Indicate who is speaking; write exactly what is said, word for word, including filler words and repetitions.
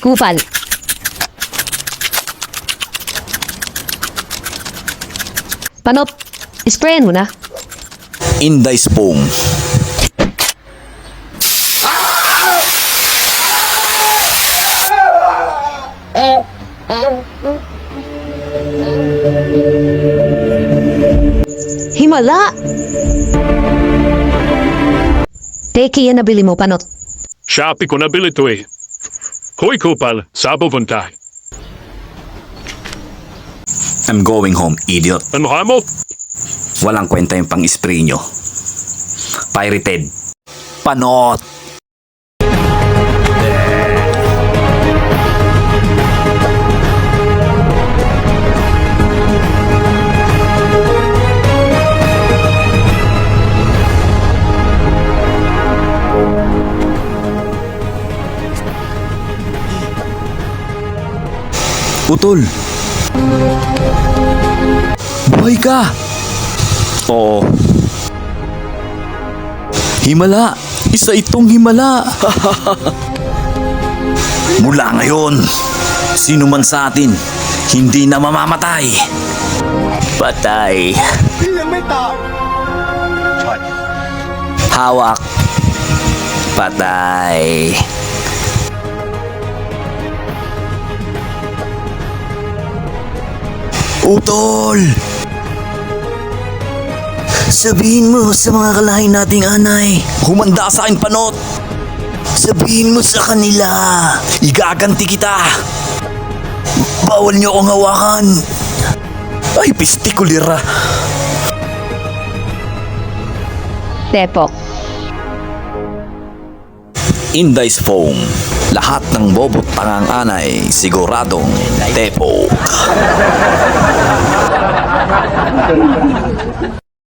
Speaker 1: Kupal. Panot, sprayan mo na.
Speaker 2: Inday Foam.
Speaker 1: Himala! Teki yan nabili mo, Panot.
Speaker 3: Shopee ko nabili to eh. Hoy Kupal, sabo vuntay.
Speaker 2: I'm going home, idiot.
Speaker 3: Ano ka mo?
Speaker 2: Walang kwenta yung pang-spray nyo. Pirated. Panot! Utol! Buhay ka! Oo. Himala! Isa itong himala! Mula ngayon, sino man sa atin, hindi na mamamatay. Patay. Hawak. Patay. Utol! Sabihin mo sa mga kalahin nating anay. Humanda sa akin, Panot. Sabihin mo sa kanila. Igaganti kita. Bawal niyo akong hawakan. Ay, pistikulira.
Speaker 1: Tepok.
Speaker 2: Inday Foam. Lahat ng bobot tangang anay, siguradong Tepok.